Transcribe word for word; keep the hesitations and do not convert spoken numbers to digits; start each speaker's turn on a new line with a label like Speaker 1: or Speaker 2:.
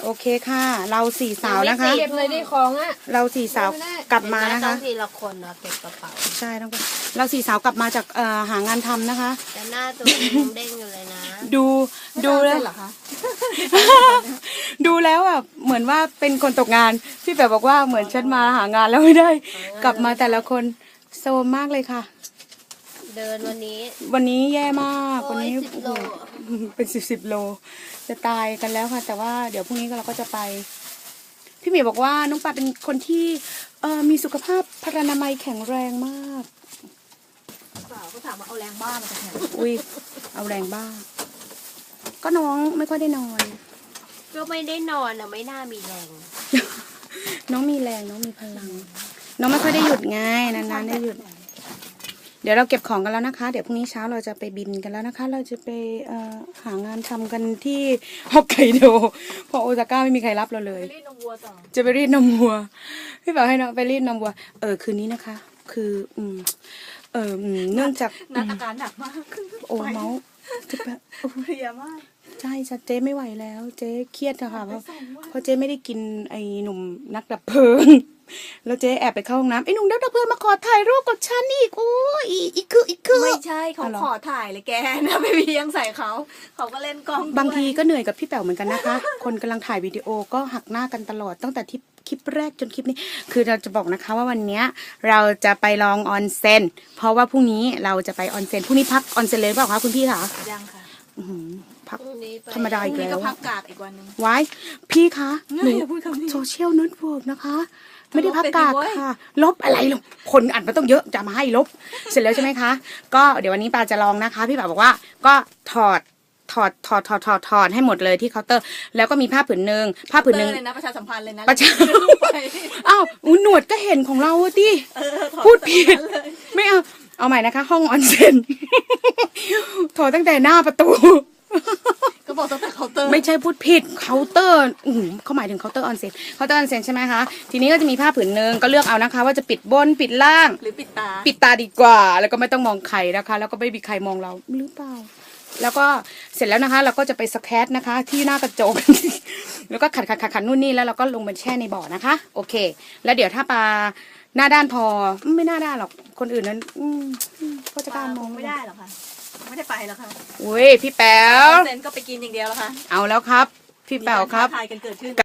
Speaker 1: เคค่ะเราสี่สาวนะคะ
Speaker 2: เก็บเลยดิของอ่ะ
Speaker 1: เราสี่สาวกลับมานะคะ
Speaker 3: ต้องทีละคนเนาะเก็บกระเป๋า
Speaker 1: ใช่ต้องเราสี่สาวกลับมาจากเอ่อหางานทำนะคะ
Speaker 3: แต่หน้าตัวเองยังเด้งอยู่เลยนะ
Speaker 1: ดูดูแล้ว
Speaker 2: เหรอคะ
Speaker 1: ดูแล้วอ่ะเหมือนว่าเป็นคนตกงานพี่แป๋วบอกว่าเหมือนฉันมาหางานแล้วไม่ได้ กลับมาแต่ละคนโซมมากเลยค่ะ
Speaker 3: เดินวันนี้
Speaker 1: วันนี้แย่มากวันนี้
Speaker 3: โอ้ยสิบโล
Speaker 1: โอ้โหเป็นสิบสิบโล จะตายกันแล้วค่ะ แต่ว่าเดี๋ยวพรุ่งนี้เราก็จะไป พี่เมย์บอกว่าน้องปาเป็นคนที่เอ่อมีสุขภาพพรรณนามัยแข็งแรงมาก
Speaker 2: เปล่าก็ถามว่าเอาแรงบ้ามาจากไหน
Speaker 1: อุ้ยเอาแรงบ้าง ก็น้องไม่ค่อยได้นอน
Speaker 3: ก็ไม่ได้นอนอ่ะไม่น่ามีแรง
Speaker 1: น้องมีแรงน้องมีพลัง น้องไม่ค่อยได้หยุดไงนานๆได้หยุด เดี๋ยวเราเก็บของกันแล้วนะคะ เดี๋ยวพรุ่งนี้เช้าเราจะไปบินกันแล้วนะคะ เราจะไปเอ่อหางานทำกันที่ฮอกไกโดเพราะโอซาก้าไม่มีใครรับเราเลย
Speaker 2: รีดนมวัวต่อ
Speaker 1: จะไปรีดนมวัวพี่บอกให้น้องไปรีดนมวัว เออคืนนี้นะคะ คืออืมเอออืมเนื่องจาก
Speaker 2: นัดอาการหนักมาก
Speaker 1: โอ้เมาส์จะแบบ
Speaker 2: เพลียมาก
Speaker 1: ใช่จ้ะเจ๊ไม่ไหวแล้ว เจ๊เครียดอะค่ะเพราะเพราะเจ๊ไม่ได้กินไอ้หนุ่มนักดับเพลิง แล้วเจ๊แอบไปเข้าห้องน้ำไอ้หนุ่มนักดับเพลิงมาขอถ่ายรูปกับฉันอีกโอ้ยอีอีกคืออีกคือ
Speaker 2: ไม่ใช่เขา
Speaker 1: อ๋อเหรอ
Speaker 2: ขอถ่ายเลยแกนะไม่มียังใส่เขา เขาก็เล่นกล้องด้วย
Speaker 1: บางทีก็เหนื่อยกับพี่แป๋วเหมือนกันนะคะ คนกำลังถ่ายวิดีโอก็หักหน้ากันตลอดตั้งแต่ที่คลิปแรกจนคลิปนี้ คือเราจะบอกนะคะว่าวันเนี้ยเราจะไปลองออนเซ็นเพราะว่าพรุ่งนี้เราจะไปออนเซ็นพรุ่งนี้พักออนเซ็นเลยหรือเปล่าคะคุณพี่คะ
Speaker 2: ยังค่ะ
Speaker 1: อื้อหือพัก
Speaker 3: พรุ่งนี้ไป
Speaker 1: ธรรมดา
Speaker 2: พ
Speaker 1: อี
Speaker 2: รุ่ง
Speaker 1: ก
Speaker 2: นี้
Speaker 1: แล้
Speaker 2: ก็
Speaker 1: ว
Speaker 2: พักกาดอีกวันหนึง
Speaker 1: ไว้พี่คะหนู
Speaker 2: อย่าพูดคำนี้
Speaker 1: โซเชียลเน็ตเวิร์กนะคะ ไม่ได้พักกาด
Speaker 2: ลบไปดิเว้ย
Speaker 1: ค่ะ ลบอะไรหรอกคนอัดมาต้องเยอะจะมาให้ลบ เสร็จแล้วใช่ไหมคะ ก็เดี๋ยววันนี้ปาจะลองนะคะ พี่ปาบอกว่าก็ถอดถอดถอดถอดถอดถอดให้หมดเลยที่เคาน์เตอร์ แล้วก็มีผ้าผืนหนึ่งผ้าผืนหนึ่ง
Speaker 2: เตอร์เลยนะประชาสัมพันธ์เลยนะ
Speaker 1: ประชา
Speaker 2: ไป
Speaker 1: อ้าวอุ๊ยหนวดก็เห็นของเราอะดิ
Speaker 2: เออถอ
Speaker 1: พูดผิด
Speaker 2: ตั้งแต่นั้นเลย
Speaker 1: ไม่เอา เอาใหม่นะคะ ห้องออนเซ็น ถอดตั้งแต่หน้าประตู
Speaker 2: ก็บอกตั้งแต่เคาน์เตอร์
Speaker 1: ไม่ใช่พูดผิดเคาน์เตอร์อืมเขาหมายถึงเคาน์เตอร์ออนเซ็นเคาน์เตอร์ออนเซ็นใช่ไหมคะ ทีนี้ก็จะมีผ้าผืนหนึ่งก็เลือกเอานะคะ ว่าจะปิดบนปิดล่าง
Speaker 2: หรือปิดตา
Speaker 1: ปิดตาดีกว่า แล้วก็ไม่ต้องมองใครนะคะ แล้วก็ไม่มีใครมองเราหรือเปล่า แล้วก็เสร็จแล้วนะคะ เราก็จะไปสแครนะคะ ที่หน้ากระจก แล้วก็ขัดขัดขัดขัดนู่นนี่แล้วเราก็ลงไปแช่ในบ่อนะคะ โอเค แล้วเดี๋ยวถ้าปลาหน้าด้านพอไม่หน้าด้านหรอกคนอื่นนั้น อืมอืมก็จะกล้ามอง
Speaker 2: ไม่ได้หรอกค่ะ ไม่ได้ไปหรอกค่ะ
Speaker 1: อุ้ยพี่แป๋ว
Speaker 2: เซนก็ไปกินอย่างเดียวแล้วค่ะ
Speaker 1: เอาแล้วครับ พี่แป๋วครับ
Speaker 2: มีกาท้าทายกันเกิดขึ้น